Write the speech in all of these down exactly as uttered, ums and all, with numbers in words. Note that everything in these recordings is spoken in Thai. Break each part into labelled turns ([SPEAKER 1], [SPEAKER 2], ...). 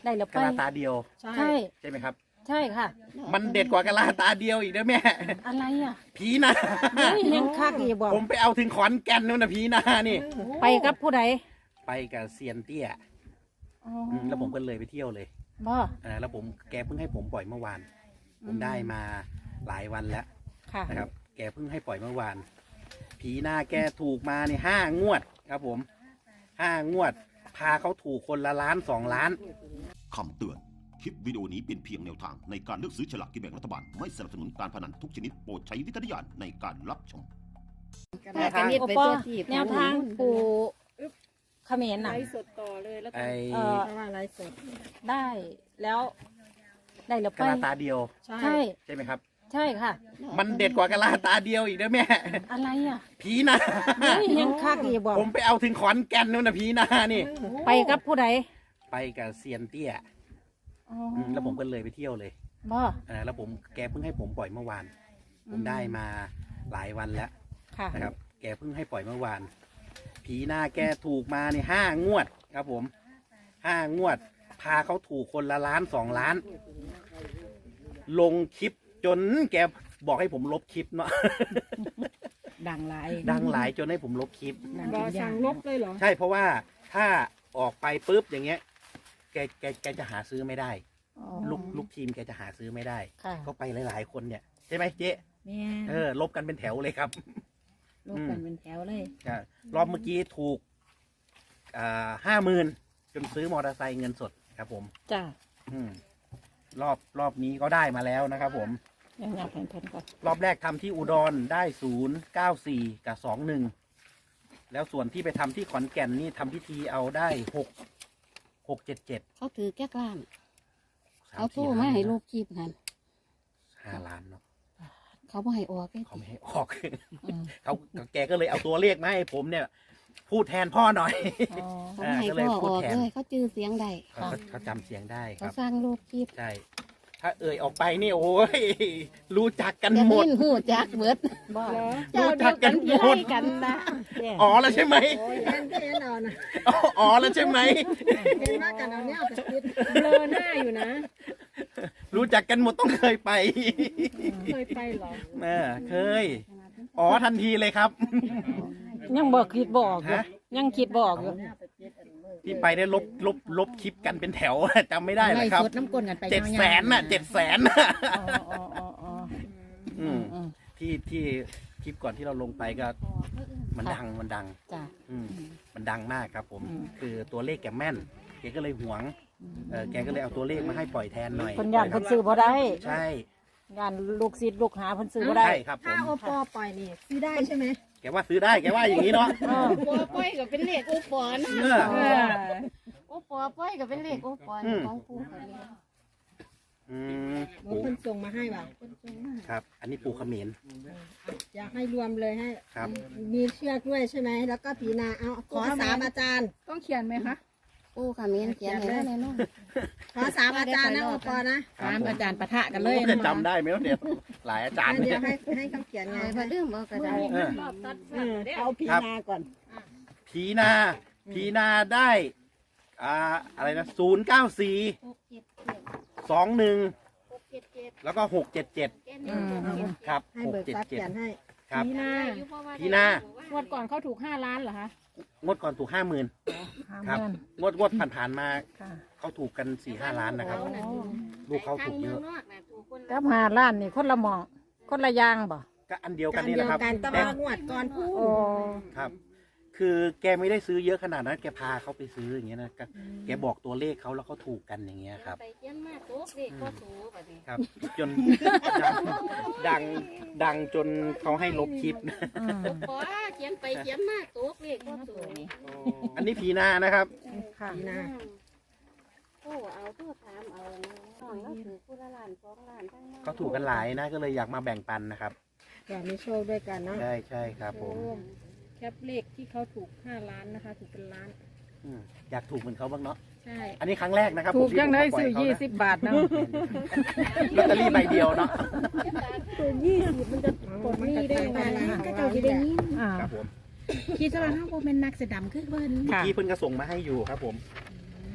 [SPEAKER 1] ได้แล้วไป
[SPEAKER 2] กะลาตาเดียว
[SPEAKER 1] ใช่
[SPEAKER 2] ใช่ไหมครับ
[SPEAKER 1] ใช่ค่ะ
[SPEAKER 2] มันเด็ดกว่ากะลาตาเดียวอีกนะแม่
[SPEAKER 1] อะไรอ่ะ
[SPEAKER 2] ผีนา
[SPEAKER 1] เฮ้ยเห็นคักอย่าบอก
[SPEAKER 2] ผมไปเอาถึงขอนแก่นนู่นนะผีนานี่
[SPEAKER 1] ไปกับผู้ใด
[SPEAKER 2] ไปกับเซียนเตี้ย
[SPEAKER 1] อ๋อ
[SPEAKER 2] อืมแล้วผมก็เลยไปเที่ยวเลย
[SPEAKER 1] บ่
[SPEAKER 2] อ่าแล้วผมแกเพิ่งให้ผมปล่อยเมื่อวาน ผมได้มาหลายวันแล้ว
[SPEAKER 1] ค่ะ
[SPEAKER 2] นะครับ แกเพิ่งให้ปล่อยเมื่อวาน ผีนาแกถูกมาในห้างวดครับผมห้างวด พาเขาถูกคนละล้านสองล้าน
[SPEAKER 3] คำเตือน คลิปวิดีโอนี้เป็นเพียงแนวทางในการเลือกซื้อฉลากกินแบ่งรัฐบาล ไม่สนับสนุนการพนันทุกชนิดโปรดใช้วิจารณญาณในการรับชม
[SPEAKER 2] แนวทาง
[SPEAKER 1] โอปอแนวทางปูเขมร
[SPEAKER 4] ไล
[SPEAKER 1] น่ะ
[SPEAKER 4] ฟ์สดต่อเลยแล้ว
[SPEAKER 2] ไอ
[SPEAKER 4] กัน
[SPEAKER 1] เอ่อ
[SPEAKER 4] เพราะว่าไลฟ์สด
[SPEAKER 1] ได้แล้ว ได้แล้วไป
[SPEAKER 2] กะลาตาเดียว
[SPEAKER 4] ใช่
[SPEAKER 1] ใช่
[SPEAKER 2] ใช่ไหมครับ
[SPEAKER 1] ใช่ค่ะ
[SPEAKER 2] มันเด็ดกว่ากะลาตาเดียวอีกนะแม่
[SPEAKER 1] อะไรอ่ะ
[SPEAKER 2] ผีนา
[SPEAKER 1] เฮ้ยเห็นคักอย่าบอก
[SPEAKER 2] ผมไปเอาถึงขอนแก่นนู่นนะผีนานี่
[SPEAKER 1] ไปกับผู้ใด
[SPEAKER 2] ไปกับเซียนเตี้ย
[SPEAKER 1] อ๋อ
[SPEAKER 2] อืมแล้วผมก็เลยไปเที่ยวเลย
[SPEAKER 1] บ่
[SPEAKER 2] อ่าแล้วผมแกเพิ่งให้ผมปล่อยเมื่อวาน ผมได้มาหลายวันแล้ว
[SPEAKER 1] ค่ะ
[SPEAKER 2] นะครับ แกเพิ่งให้ปล่อยเมื่อวาน ผีนาแกถูกมาในห้างวดครับผมห้างวด พาเขาถูกคนละล้านสองล้าน ลงคลิปจนแกบอกให้ผมลบคลิปเนาะ
[SPEAKER 1] ดังหลาย
[SPEAKER 2] ดังหลายจนให้ผมลบคลิป
[SPEAKER 4] บอสั่งลบเลยเหรอ
[SPEAKER 2] ใช่เพราะว่าถ้าออกไปปุ๊บอย่างเงี้ย แกแกแกจะหาซื้อไม่ได้
[SPEAKER 1] อ๋อ
[SPEAKER 2] ลูกลูกทีมแกจะหาซื้อไม่ได้
[SPEAKER 1] ค่ะ
[SPEAKER 2] ก็ไปหลาย ๆ คนเนี่ยใช่ไหมเจ๊
[SPEAKER 1] แม่
[SPEAKER 2] เออลบกันเป็นแถวเลยครับ
[SPEAKER 1] ลบกันเป็นแถวเลย
[SPEAKER 2] อ่ารอบเมื่อกี้ถูกอ่าห้าหมื่นจนซื้อมอเตอร์ไซค์เงินสดครับผม
[SPEAKER 1] จ้า
[SPEAKER 2] อืมรอบรอบนี้ก็ได้มาแล้วนะครับผม
[SPEAKER 1] ยังอยากเห็นเพิ่นก่อน
[SPEAKER 2] รอบแรกทำที่อุดรได้ศูนย์เก้าสี่กับสองหนึ่งแล้วส่วนที่ไปทำที่ขอนแก่นนี่ทำพิธีเอาได้หกหกเจ็ดเจ็ด
[SPEAKER 5] เขาถือแก้กล้ามเขาโทรมาให้ลูกคีบกัน
[SPEAKER 2] ห้าล้านเนาะ
[SPEAKER 5] เขาบ่ให้ออกเลย
[SPEAKER 2] เขาไม่ให้ออก
[SPEAKER 1] อืม
[SPEAKER 2] เขาแกก็เลยเอาตัวเลขมาให้ผมเนี่ย พูดแทนพ่อหน่อย
[SPEAKER 1] อ๋อ
[SPEAKER 5] เขาบ่ให้
[SPEAKER 2] ก็เลย
[SPEAKER 5] พ่อ
[SPEAKER 2] พู
[SPEAKER 5] อ
[SPEAKER 2] ด
[SPEAKER 5] อก
[SPEAKER 2] แทน
[SPEAKER 5] เลยเขาจื้อเสียงได้
[SPEAKER 2] เขาเขาจำเสียงได้ค
[SPEAKER 5] เขา
[SPEAKER 2] รับ
[SPEAKER 5] สร้างลูกคีบ
[SPEAKER 2] ใช่ ถ้าเอ่ยออกไปนี่โอ้ย รู้จักกัน
[SPEAKER 5] จะ
[SPEAKER 2] หมด
[SPEAKER 5] นิ่นหูจักเบิด
[SPEAKER 1] บ่
[SPEAKER 4] เหรอ
[SPEAKER 2] รู้จักกันหมด
[SPEAKER 5] กันนะ
[SPEAKER 1] แย่
[SPEAKER 2] อ๋อแล้วใช่ไหม
[SPEAKER 4] โอ้ยเห็นที่เห็นเอานะ
[SPEAKER 2] อ๋ออ๋อแล้วใช่ไหม
[SPEAKER 4] เห็นว่ากันเอาเนี่ยเอาไปคิดเบลอหน้าอยู่นะ
[SPEAKER 2] รู้จักกันหมดต้องเคยไป
[SPEAKER 4] เคยไปเหรอ
[SPEAKER 2] เออเคย อ๋อทันทีเลยครับ
[SPEAKER 1] ยังบอกคิดบออกอยู่
[SPEAKER 2] ฮะ
[SPEAKER 1] ยังคิดบออกอยู่
[SPEAKER 2] ที่ไปได้ลบลบลบคลิปกันเป็นแถว จำไม่ได้เลยครับ
[SPEAKER 5] สดน้ำก้นกันไป
[SPEAKER 2] เจ็ดแสนน่ะเจ็ดแสน
[SPEAKER 1] อ๋ออ๋ออ๋ออ๋อ
[SPEAKER 2] อืม
[SPEAKER 1] อืม
[SPEAKER 2] ที่ที่คลิปก่อนที่เราลงไปก็มันดังมันดัง
[SPEAKER 1] จ้า
[SPEAKER 2] อืมมันดังมากครับผม
[SPEAKER 1] อืม
[SPEAKER 2] คือตัวเลขแกแม่นแกก็เลยหวงเออแกก็เลยเอาตัวเลขมาให้ปล่อยแทนหน่อย
[SPEAKER 1] คนยานเพิ่นซื้อบ่ได้
[SPEAKER 2] ใช่
[SPEAKER 1] ยานลูกศิษย์ลูกหาเพิ่นซื้อบ่ได้
[SPEAKER 2] ใช่ครับผ
[SPEAKER 4] ถ้าม โอปอปล่อยนี่ซื้อได้ใช่ไหม
[SPEAKER 2] แกว่าซื้อได้แกว่าอย่างนี้เนาะ
[SPEAKER 1] เออ
[SPEAKER 5] ปัวป้อยก็เป็นเลขโอปอนะ
[SPEAKER 2] เออ
[SPEAKER 1] เออ
[SPEAKER 5] โอปอป้อยก็เป็นเลขโอปอ
[SPEAKER 2] อืม
[SPEAKER 5] ของปู่เขาเนี่ย
[SPEAKER 2] อืม
[SPEAKER 4] หมอ
[SPEAKER 2] ปู
[SPEAKER 4] คนส่งมาให้ป่ะ
[SPEAKER 2] ครับ อันนี้ปูเขมิ้น
[SPEAKER 4] อยากให้รวมเลยให้
[SPEAKER 2] ครับ
[SPEAKER 4] มีเชือกด้วยใช่ไหม แล้วก็ผีนาเอาขอสามอาจารย์
[SPEAKER 6] ต้องเขียนไหมคะ
[SPEAKER 5] ปู่ขมิ้นเขียนให้แล้วแน่นอน
[SPEAKER 4] ขอสามอาจารย์นะโอปอนะ
[SPEAKER 2] ครับ
[SPEAKER 6] ตาม
[SPEAKER 2] ผม
[SPEAKER 6] อาจารย์ปะทะกันเลย
[SPEAKER 2] ผมจะจำได้ไหมวะเนี่ยหลายอาจารย์
[SPEAKER 4] เดี๋
[SPEAKER 2] เนี่ย
[SPEAKER 4] วย ให้ให้เขาเขียนไง
[SPEAKER 5] ไอ้พระเรื่องบอกก็ได้
[SPEAKER 2] เออ
[SPEAKER 4] เออเอาผีนาก่อน
[SPEAKER 2] ผีนาผีนาได้อ่าอะไรนะศูนย์เก้าสี่สองหนึ่งแล้วก็หกเจ็ดเจ็ดครับ
[SPEAKER 4] ให้
[SPEAKER 2] หก
[SPEAKER 4] เบิก
[SPEAKER 2] เจ็ด
[SPEAKER 4] ทรัพย์
[SPEAKER 2] เจ็ด
[SPEAKER 4] เขียนให้
[SPEAKER 2] ครับ
[SPEAKER 4] ผีนา
[SPEAKER 2] ผีนา
[SPEAKER 6] งวดก่อนเขาถูกห้าล้านเหรอคะ
[SPEAKER 2] งวดก่อนถูกห้าหมื่น
[SPEAKER 1] ห้า
[SPEAKER 2] ครับ
[SPEAKER 1] หมื่น
[SPEAKER 2] งวดงวดผ่านๆมา
[SPEAKER 1] ค่ะ
[SPEAKER 2] เขาถูกกันสี่ห้าล้านนะครับ ลูกเขาถูกเยอะ
[SPEAKER 1] กับหาล้านนี่คนละหมองคนละอย่างบ่
[SPEAKER 2] ก็อันเดียวกั
[SPEAKER 4] กาน ร
[SPEAKER 2] นี่
[SPEAKER 4] เดี
[SPEAKER 2] แห
[SPEAKER 4] ยว
[SPEAKER 2] ละครับ
[SPEAKER 4] กันต้อง
[SPEAKER 2] แต่
[SPEAKER 4] มางวดก่อนพูด
[SPEAKER 1] โอ้
[SPEAKER 2] ครับ คือแกไม่ได้ซื้อเยอะขนาดนั้น แกพาเขาไปซื้ออย่างเงี้ยนะก็แกบอกตัวเลขเขาแล้วเขาถูกกันอย่างเงี้ยครับ
[SPEAKER 5] ไปเขียนมาโต๊ะเลขก็ถูกแบบนี้
[SPEAKER 2] ครับ จน ดังดังดังจนเขาให้ลบคลิป
[SPEAKER 1] อืม
[SPEAKER 5] ขอเขียนไปเขียนมาโต๊ะเลขก็ถูก
[SPEAKER 2] อันนี้ผีนานะครับ
[SPEAKER 1] ค่ะ
[SPEAKER 4] ผีนา
[SPEAKER 5] โอ้เอาโทษถามเอาน้องเราถือผู้ละล้านสองล้านทั้งนั้น
[SPEAKER 2] เขาถูกกันหลายนะ ก็เลยอยากมาแบ่งปันนะครับ
[SPEAKER 4] อยากมีโชคด้วยกันเนาะ
[SPEAKER 2] ใช่ใช่ครับผม
[SPEAKER 6] แคปเลขที่เขาถูกห้าล้านนะคะ ถูกเป็นล้าน
[SPEAKER 2] อืมอยากถูกเหมือนเขาบ้างเนาะ
[SPEAKER 6] ใช่
[SPEAKER 2] อันนี้ครั้งแรกนะครับ
[SPEAKER 1] ถูก
[SPEAKER 2] ผมที่
[SPEAKER 1] ยังได้
[SPEAKER 2] ผม
[SPEAKER 1] ซื้อ
[SPEAKER 2] ปล่
[SPEAKER 1] ยี่
[SPEAKER 2] เขา
[SPEAKER 1] สิ
[SPEAKER 2] นะ
[SPEAKER 1] บบาทนะ
[SPEAKER 2] ลอตเตอรี่ใบเดียวเนาะ
[SPEAKER 4] ตัวยี่สิบมันจะกดนี่ได้ไหมก็เจ้าที่ได้ยิน
[SPEAKER 1] อ่า
[SPEAKER 2] ครับผม
[SPEAKER 6] คิดว่าเขาเป็นนักแสดงคือเพิ่น
[SPEAKER 2] เมื่อ
[SPEAKER 1] ค่ะ
[SPEAKER 2] กี้เพิ่นก็ส่งมาให้อยู่ครับผม ไป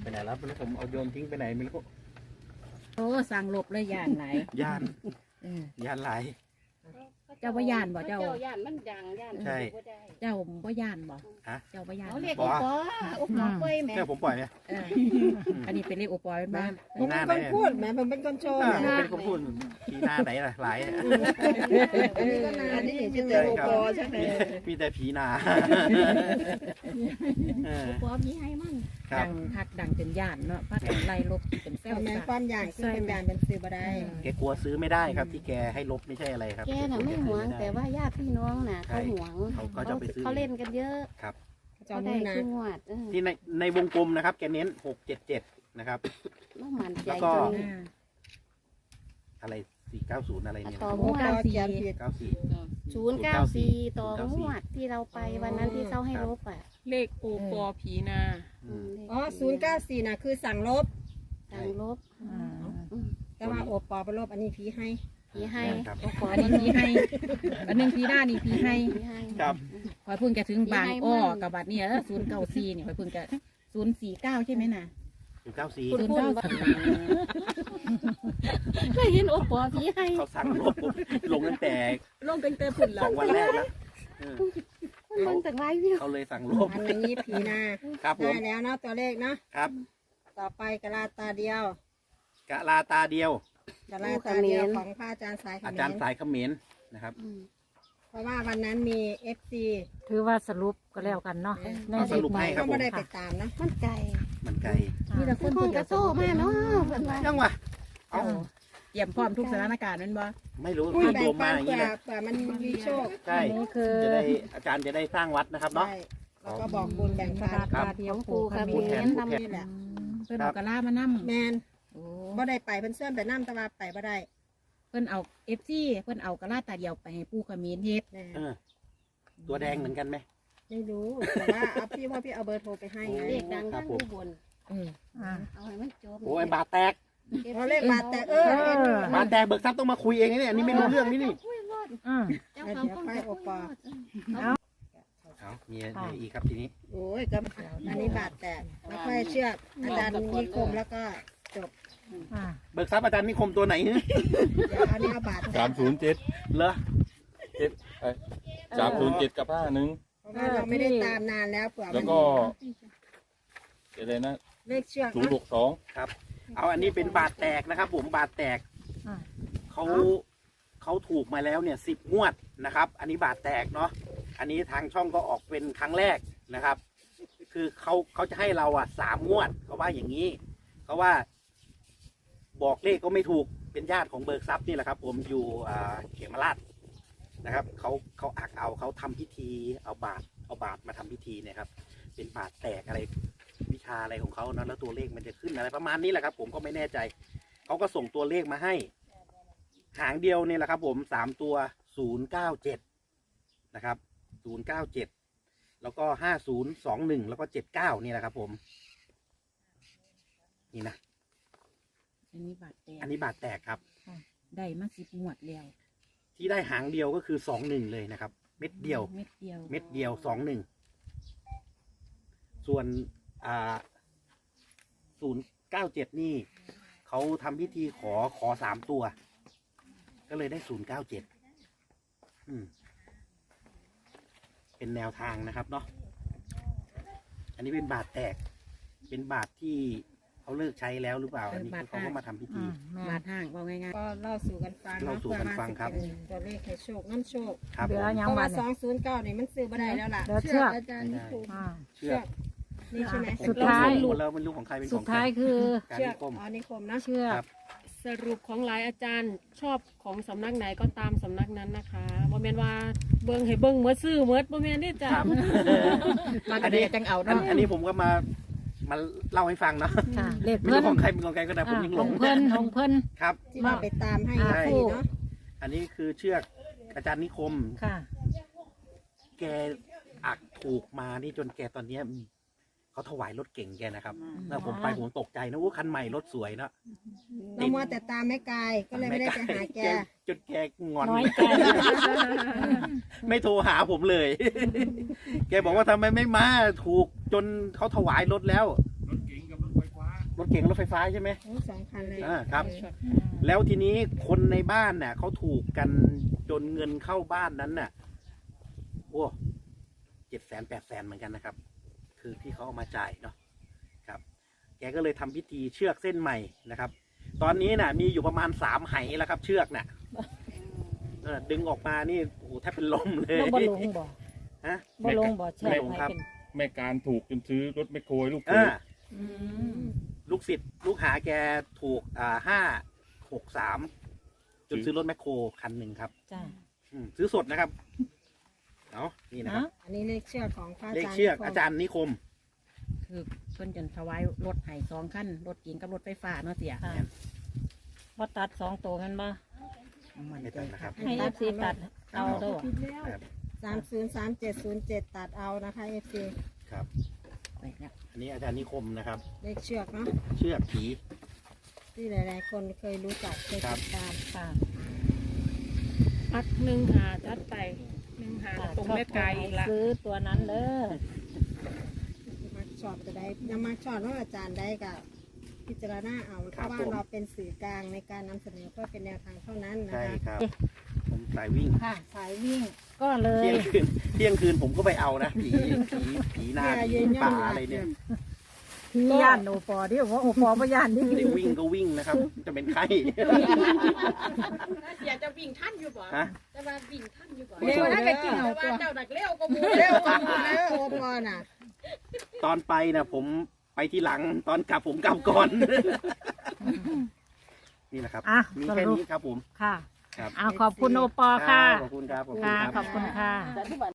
[SPEAKER 2] ไหนแล้วไม่รู้ผมเอาโยนทิ้งไปไหนไม่รู้
[SPEAKER 7] โอ้สั่งหลบเลยย่านไหลาย
[SPEAKER 2] ย่าน
[SPEAKER 7] เออย่
[SPEAKER 2] านหลาย
[SPEAKER 7] เจ้าบ่ย่านบ่เจ้า
[SPEAKER 5] เจ้าย่านมันดังย่าน
[SPEAKER 2] ใช่
[SPEAKER 5] บ่ได้
[SPEAKER 7] เจ้าบ่ย่านบ่
[SPEAKER 2] ฮะ
[SPEAKER 7] เจ้าบ่ย่าน
[SPEAKER 5] เอา
[SPEAKER 7] บ่
[SPEAKER 5] เรียกอุปออุปอเป้ยแม่
[SPEAKER 2] เนี่ยผมปล่อยเนี่ย
[SPEAKER 7] เอออันนี้เป็นเลขโอปอเป็นบ้าน
[SPEAKER 2] มีหน้าไหน
[SPEAKER 4] คนพูดแหมมันเป็นคนโชว์
[SPEAKER 2] อ่า
[SPEAKER 4] แหม
[SPEAKER 2] ผมเป็นคนพูดมีหน้าไหนล่ะหลายอะ
[SPEAKER 4] อันนี้ก็นานนี่มีแต่โอปอใช่ไหม
[SPEAKER 2] มีแต่ผีนาเออ
[SPEAKER 5] อุปอมีให้มัน
[SPEAKER 2] ครั
[SPEAKER 7] ดั
[SPEAKER 2] บ
[SPEAKER 7] งคักดังจนย่านเนาะพากันไล่ลบเป็นแซว
[SPEAKER 4] แม่
[SPEAKER 7] ซะ
[SPEAKER 4] ความอย่างซึ่งเป็นการเป็นซื้อบ่ได้
[SPEAKER 2] แกกลัวซื้อไม่ได้ครับ ที่แกให้ลบไม่ใช่อะไรครับ
[SPEAKER 5] แกน่ะไม่หวงแต่ว่าญาติพี่น้องน่ะเขาหวง
[SPEAKER 2] เขาเขาจะไปซื้อ
[SPEAKER 5] เขาเล่นกันเยอะ
[SPEAKER 2] ครับ
[SPEAKER 4] จอ
[SPEAKER 5] เขา
[SPEAKER 4] ม
[SPEAKER 5] ได้
[SPEAKER 4] มือนะ
[SPEAKER 5] ขึ้นงวดเออ
[SPEAKER 2] ที่ในในวงกลมนะครับ แกเน้นหกเจ็ดเจ็ดนะครับ
[SPEAKER 5] ต้องมั่นใจ
[SPEAKER 2] แล้วก็
[SPEAKER 5] จน
[SPEAKER 7] อ่า
[SPEAKER 2] อะไรสี่เก้าศูนย์อะไรเนี่ย
[SPEAKER 5] ต่อง
[SPEAKER 4] โอ้
[SPEAKER 5] วด
[SPEAKER 4] เก้าสี่
[SPEAKER 2] เก้าสี่
[SPEAKER 5] ศูนย์เก้าสี่ต่องวดที่เราไปวันนั้นที่เขาให้ลบอ่ะ
[SPEAKER 6] เลขโอปอผีนา
[SPEAKER 2] อืม
[SPEAKER 4] อ๋อศูนย์เก้าสี่น่ะคือสั่งลบ
[SPEAKER 5] สั่งลบ
[SPEAKER 1] อืม
[SPEAKER 5] อืม
[SPEAKER 4] แต่ว่าโอปอเป็นลบอันนี้ผีให้
[SPEAKER 5] พี่ให้
[SPEAKER 2] ครับ
[SPEAKER 5] อุปอ
[SPEAKER 7] อันนี้พีให้อันหนึงพีหน้านี่พีให้
[SPEAKER 5] พี่ให้
[SPEAKER 2] ครับ
[SPEAKER 7] คอยเพิ่งจะถึงบาง
[SPEAKER 5] มีให้
[SPEAKER 7] อ้อ
[SPEAKER 5] มั่ง
[SPEAKER 7] กับบัดเนี่ยศูนย์เก้าสี่นี่คอยเพิ่งจะศูนย์สี่เก้าใช่ไหมน่ะ
[SPEAKER 2] ศูนย์เก้าสี่
[SPEAKER 7] ศูนย์เก้าสี่
[SPEAKER 5] เคยเห็นอุปอพี่ให้
[SPEAKER 2] เขาสั่งลบผมลงตั้งแต่
[SPEAKER 7] ลงตั้งแต่ฝุ่น
[SPEAKER 2] ส
[SPEAKER 7] แล้
[SPEAKER 2] อ
[SPEAKER 7] ว
[SPEAKER 2] งวันแรกแล้วเออ
[SPEAKER 5] มันเบิ่งจากไลฟ์วิว
[SPEAKER 2] เขาเลยสั่งลบ
[SPEAKER 4] อันนี้ผีนา
[SPEAKER 2] ครับผ
[SPEAKER 4] ได้
[SPEAKER 2] ม
[SPEAKER 4] แล้วเนาะตัวเลขเนาะ
[SPEAKER 2] ครับ
[SPEAKER 4] ต่อไปกะลาตาเดียว
[SPEAKER 2] กะลาตาเดียว
[SPEAKER 4] กะลาตาเดียวของพระอาจารย์สายเข
[SPEAKER 2] อา
[SPEAKER 4] ม
[SPEAKER 2] จารย์
[SPEAKER 4] ร
[SPEAKER 2] สายเขมรนะครับ
[SPEAKER 5] อืม
[SPEAKER 4] เพราะว่าวันนั้นมีเอฟซี
[SPEAKER 1] ถือว่าสรุปก็แล้วกันเนาะใน
[SPEAKER 2] เอาสรุปให้ ครับ
[SPEAKER 4] ก็ไม่ได้
[SPEAKER 2] ผม
[SPEAKER 4] ไปตามนะ
[SPEAKER 5] มันไก่
[SPEAKER 2] มันไกล
[SPEAKER 7] มีแต่ค
[SPEAKER 5] คือน ค
[SPEAKER 7] พู
[SPEAKER 5] น
[SPEAKER 7] ด
[SPEAKER 5] กระโซ่มาเนาะเพิ่นว่า
[SPEAKER 2] ยังวะเอ้า
[SPEAKER 7] เตรียมพร้อมทุกสถานการณ์นั่นบ่
[SPEAKER 2] ไม่รู้
[SPEAKER 4] อุ้ย
[SPEAKER 2] รวบ
[SPEAKER 4] แบ่
[SPEAKER 2] รง วม
[SPEAKER 4] ปั
[SPEAKER 2] มาน อย่าง
[SPEAKER 4] เผื่
[SPEAKER 2] นี้
[SPEAKER 4] อ
[SPEAKER 2] เลย
[SPEAKER 4] เผื่อมันมีโชค
[SPEAKER 2] ใช่
[SPEAKER 1] อันนี้คือ
[SPEAKER 2] จะได้อาจารย์จะได้สร้างวัดนะครับเนาะ
[SPEAKER 4] ใช่แล้วก็บอกบุญแบ่ง
[SPEAKER 1] ก
[SPEAKER 4] ปั
[SPEAKER 1] ระ
[SPEAKER 4] น
[SPEAKER 1] ดาษตาเดียว
[SPEAKER 5] ปูกระ
[SPEAKER 1] ข
[SPEAKER 5] เบ
[SPEAKER 1] มิ้น
[SPEAKER 5] น
[SPEAKER 2] ผู้
[SPEAKER 5] ทำ
[SPEAKER 2] แท
[SPEAKER 4] นี่แหละ
[SPEAKER 7] เพิ่นเอากระลามานั่ม
[SPEAKER 4] แมน
[SPEAKER 7] โอ้
[SPEAKER 4] บ่ได้ไปเพิ่นเสื่อมไปน้ำแต่ว่าไปบ่ได้
[SPEAKER 7] เพิ่นเอาเอฟซีเพิ่นเอากระลาตาเดียวไปให้ปู่ขมิ้นเฮ็ด
[SPEAKER 4] แน่
[SPEAKER 2] เออ ตัวแดงเหมือนกันไหม
[SPEAKER 4] ไม่รู้แต่ว่าเอาพี่ว่าพี่เอาเบอร์โทรไปให้ไง
[SPEAKER 5] เด็กดังทั้งอุบล
[SPEAKER 7] เออ
[SPEAKER 1] อ่า
[SPEAKER 5] เอาให้มันจบ
[SPEAKER 2] โอ้ยบาทแตก
[SPEAKER 4] เขาเลขบาทแต่เออ
[SPEAKER 1] เออ
[SPEAKER 2] บาทแตกเบิกทรัพย์ต้องมาคุยเองนะเนี่ยอันนี้ไม่รู้เรื่องนี่นี่
[SPEAKER 1] อืม
[SPEAKER 5] เจ้าเขาคนจะโอปอ
[SPEAKER 2] เอามีอะไรอีกครับทีนี้
[SPEAKER 4] โอ้ยก็อันนี้บาทแตกแล้วค่อยเชือกอาจารย์นิคมแล้วก็จบ
[SPEAKER 1] อ่า
[SPEAKER 2] เบิกทรัพย์อาจารย์นิคมตัวไหนเนี่ย
[SPEAKER 4] เดี๋ยวอันนี้เอาบาทแต
[SPEAKER 8] สาก มศูนย์เจ็ด
[SPEAKER 2] เหรอ
[SPEAKER 8] เจ็ดสามศูนย์เจ็ดกับห้าหนึ่ง
[SPEAKER 4] เพราะว่าเราไม่ได้ตามนานแล้วเผื่อ
[SPEAKER 8] แล้ว
[SPEAKER 4] มัน
[SPEAKER 8] ก็อะไรนะ
[SPEAKER 4] เลขเชือก
[SPEAKER 8] ศูนย์หกสอง
[SPEAKER 2] ครับ เอาอันนี้เป็นบาทแตกนะครับ ผมบาทแตก
[SPEAKER 1] อ่า
[SPEAKER 2] เขาเขาถูกมาแล้วเนี่ยสิบงวดนะครับ อันนี้บาทแตกเนาะอันนี้ทางช่องก็ออกเป็นครั้งแรกนะครับ คือเขาเขาจะให้เราอ่ะสามงวดเขาว่าอย่างนี้เขาว่า บอกเลขก็ไม่ถูกเป็นญาติของเบิกทรัพย์นี่แหละครับ ผมอยู่อ่าเขมราชนะครับเขาเขาอักเอาเขาทำพิธีเอาบาทเอาบาทมาทำพิธีเนี่ยครับ เป็นบาทแตกอะไรวิชาอะไรของเขาเนาะแล้วตัวเลขมันจะขึ้นอะไรประมาณนี้แหละครับ ผมก็ไม่แน่ใจเขาก็ส่งตัวเลขมาให้ หางเดียวเนี่ยแหละครับ ผมสามตัวศูนย์เก้าเจ็ดนะครับศูนย์เก้าเจ็ดแล้วก็ห้าศูนย์สองหนึ่งแล้วก็เจ็ดเก้านี่แหละครับ ผม นี่นะ
[SPEAKER 7] อันนี้บาดแตก
[SPEAKER 2] อันนี้บาทแตกครับ
[SPEAKER 7] ได้มาสิบงวดแล้ว
[SPEAKER 2] ที่ได้หางเดียวก็คือสองหนึ่งเลยนะครับ เม็ดเดียว
[SPEAKER 7] เม็ดเดียว
[SPEAKER 2] เม็ดเดียวสองหนึ่งส่วนอ่าศูนย์เก้าเจ็ดนี่เขาทำพิธีขอขอสามตัว ก็เลยได้ศูนย์เก้าเจ็ดเป็นแนวทางนะครับเนาะอันนี้เป็นบาทแตก เป็นบาทที่เขาเลิกใช้แล้วหรือเปล่า อันนี้คือเขาก็มาทำพิ
[SPEAKER 1] อื
[SPEAKER 2] ธี
[SPEAKER 1] มแม่
[SPEAKER 7] บาดห่างว่าง่าย
[SPEAKER 4] ก็เล่าสู่กันฟัง
[SPEAKER 2] เล่าสู่กันฟังครับ
[SPEAKER 4] เพื่อว่าสิเป็นตัวเลขให้โชคน้ำโชค
[SPEAKER 2] ครับ
[SPEAKER 1] เหลื
[SPEAKER 2] ผ
[SPEAKER 1] อ
[SPEAKER 2] ม
[SPEAKER 1] ยั
[SPEAKER 4] เพ
[SPEAKER 1] ง
[SPEAKER 4] ราะ
[SPEAKER 1] วั
[SPEAKER 4] ว่าน สองศูนย์เก้านี่มันซื้อบ่ได้แล้วล่ะ
[SPEAKER 1] เหลือเชือก
[SPEAKER 4] อาจารย์นิคม
[SPEAKER 1] อ่า
[SPEAKER 2] เชือก
[SPEAKER 4] นี่ใช่ไหม
[SPEAKER 1] สุดท้าย
[SPEAKER 2] หมดแล้วมันรู้ของใครเป็นของ
[SPEAKER 1] สุด
[SPEAKER 2] ใคร
[SPEAKER 1] ท้ายคือ
[SPEAKER 2] การ
[SPEAKER 4] เชือ
[SPEAKER 2] นิ
[SPEAKER 4] ก
[SPEAKER 2] คม
[SPEAKER 4] อ๋อนิคมนะ
[SPEAKER 1] เชือก
[SPEAKER 2] ครับ
[SPEAKER 6] สรุปของหลายอาจารย์ชอบของสำนักไหนก็ตามสำนักนั้นนะคะบ่แม่นว่าเบิ่งให้เบิ่งเมื่อซื้อเมื่อบ่แม่นได้จ้ะ
[SPEAKER 2] ครับ
[SPEAKER 7] ๆมากันเลยจังเอา
[SPEAKER 2] อัน
[SPEAKER 7] เนาะ
[SPEAKER 2] อันนี้ผมก็มามาเล่าให้ฟังเนาะ
[SPEAKER 1] ค่ะเลข
[SPEAKER 2] ไม่
[SPEAKER 1] เพิ่
[SPEAKER 2] รู้
[SPEAKER 1] น
[SPEAKER 2] ของใครเป็นของใครก็ได้ผม
[SPEAKER 1] อ่า
[SPEAKER 2] ยัง
[SPEAKER 1] ข
[SPEAKER 2] หล
[SPEAKER 1] อง
[SPEAKER 2] ง
[SPEAKER 1] เพิ่นของเพิ่น
[SPEAKER 2] ครับ
[SPEAKER 4] ที่ว่าไปตามให้
[SPEAKER 1] อ่า
[SPEAKER 4] ฟรีเนาะ
[SPEAKER 2] อันนี้คือเชือกอาจารย์นิคม
[SPEAKER 1] ค่ะ
[SPEAKER 2] แกอักถูกมานี่จนแกตอนเนี้ยเขาถวายรถเก่งแกนะครับแล้วผมไปผมตกใจนะว่าคันใหม่รถสวยเนาะ
[SPEAKER 4] เรามัวแต่ตามแม่กายก็เลยไม่ได้ไปหาแก
[SPEAKER 2] จนแกงอน
[SPEAKER 1] น้อยใจ
[SPEAKER 2] ไม่โทรหาผมเลย แกบอกว่าทำไมไม่มาถูกจนเขาถวายรถแล้ว
[SPEAKER 8] รถเก๋งกับรถไฟฟ้า
[SPEAKER 2] รถเก๋งรถไฟฟ้าใช่ไหม
[SPEAKER 4] โอ้สองคันเลย
[SPEAKER 2] อ่าครับ แล้วทีนี้คนในบ้านน่ะเขาถูกกันจนเงินเข้าบ้านนั้นน่ะโอ้เจ็ดแสนแปดแสนเหมือนกันนะครับ คือที่เขาเอามาจ่ายเนาะครับ แกก็เลยทำพิธีเชือกเส้นใหม่นะครับ ตอนนี้น่ะ มีอยู่ประมาณสามไหแล้วครับ เชือกน่ะเออดึงออกมานี่โอ้โหแทบเป็นลมเลย
[SPEAKER 1] แล้วบ่ลงบ่
[SPEAKER 2] ฮะ
[SPEAKER 1] บ่ลงบ่แช่
[SPEAKER 2] ไม่ลง
[SPEAKER 1] ให้
[SPEAKER 2] ครับ
[SPEAKER 1] เป็น
[SPEAKER 8] แม่การถูกจนซื้อรถแมคโครให้ลูกเข
[SPEAKER 2] อ่าย
[SPEAKER 1] อืม
[SPEAKER 2] ลูกศิษย์ลูกหาแกถูกอ่าห้าหกสามจนซื้อรถแมคโครคันหนึ่งครับ
[SPEAKER 1] จ้า
[SPEAKER 2] อืมซื้อสดนะครับเอานี่นะครับ
[SPEAKER 4] อันนี้เลขเชือกของพระอา
[SPEAKER 2] เลข
[SPEAKER 4] จารย์
[SPEAKER 2] เชือก
[SPEAKER 4] นิคม
[SPEAKER 2] อาจารย์นิคม
[SPEAKER 7] คือเพิ่นจนถวายรถให้สองคันรถเก๋งกับรถไฟฟ้าเนาะเสีย
[SPEAKER 1] ค่ะบ่ตัดสองตัวกันบ่
[SPEAKER 7] มัน
[SPEAKER 2] ไม่
[SPEAKER 7] ใจ
[SPEAKER 2] ตัดนะครับ
[SPEAKER 1] ให้เอฟซีตัดเอาเด้อ
[SPEAKER 2] ครับ
[SPEAKER 4] สามศูนย์สามเจ็ดศูนย์เจ็ดตัดเอานะคะเอฟซี
[SPEAKER 2] ครับ
[SPEAKER 7] ไปแล้ว
[SPEAKER 2] อันนี้อาจารย์นิคมนะครับ
[SPEAKER 4] เลขเชือกเนาะ
[SPEAKER 2] เชือกผี
[SPEAKER 4] ที่หลาย ๆ คนเคยรู้จักเคย
[SPEAKER 2] ครับ
[SPEAKER 4] ติดตาม
[SPEAKER 1] ค่ะ
[SPEAKER 6] อักหนึ่งหาจัดไปหนึ่งหาตรงแม่ไก่อีกละ
[SPEAKER 1] ซื้อตัวนั้นเด้อ
[SPEAKER 4] มาชอบจะได้นำมาชอบว่าอาจารย์ได้กับพิจารณาเอาเพราะว่าเราเป็นสื่อกลางในการนำเสนอเพื่อเป็นแนวทางเท่านั้นนะ
[SPEAKER 2] ใช่
[SPEAKER 4] คะ
[SPEAKER 2] ครับ ผมสายวิ่ง
[SPEAKER 1] ค่ะ สายวิ่งก็เล
[SPEAKER 2] เที่
[SPEAKER 1] ย
[SPEAKER 2] ยงคืนเที่ยงคืนผมก็ไปเอานะผีผีผีหน้าผีป่าอะไรเนี่ย
[SPEAKER 1] พี่ย่านโอปอที่บอกว่าโอปอบ่ย่านนี่
[SPEAKER 2] ได้วิ่งก็วิ่งนะครับ จะเป็นไข้
[SPEAKER 6] อยากจะวิ่งท่านอยู่บ่
[SPEAKER 2] ฮะ
[SPEAKER 6] จะมาวิ่งท่านอยู่บ่
[SPEAKER 1] เร็วนะก็กินเอา
[SPEAKER 6] แต่
[SPEAKER 1] ตั
[SPEAKER 6] ว่าว เจ้าดักเร็วก็มู
[SPEAKER 4] เร็วกว่าหมู่แล้วโอปอน่ะ
[SPEAKER 2] ตอนไปนะผมไปที่หลังตอนกลับผมกลับก่อน นี่แหละครับ
[SPEAKER 1] อ่ะ
[SPEAKER 2] มี
[SPEAKER 1] ส
[SPEAKER 2] แค่
[SPEAKER 1] รุป
[SPEAKER 2] นี้ครับผม
[SPEAKER 1] ค่ะ
[SPEAKER 2] ครับ
[SPEAKER 1] เอาขอบคุณโอปอค่ะ
[SPEAKER 2] ขอบคุณครับขอบคุณ
[SPEAKER 1] ค่ะ
[SPEAKER 2] ครับ
[SPEAKER 1] ขอบคุณค่ะ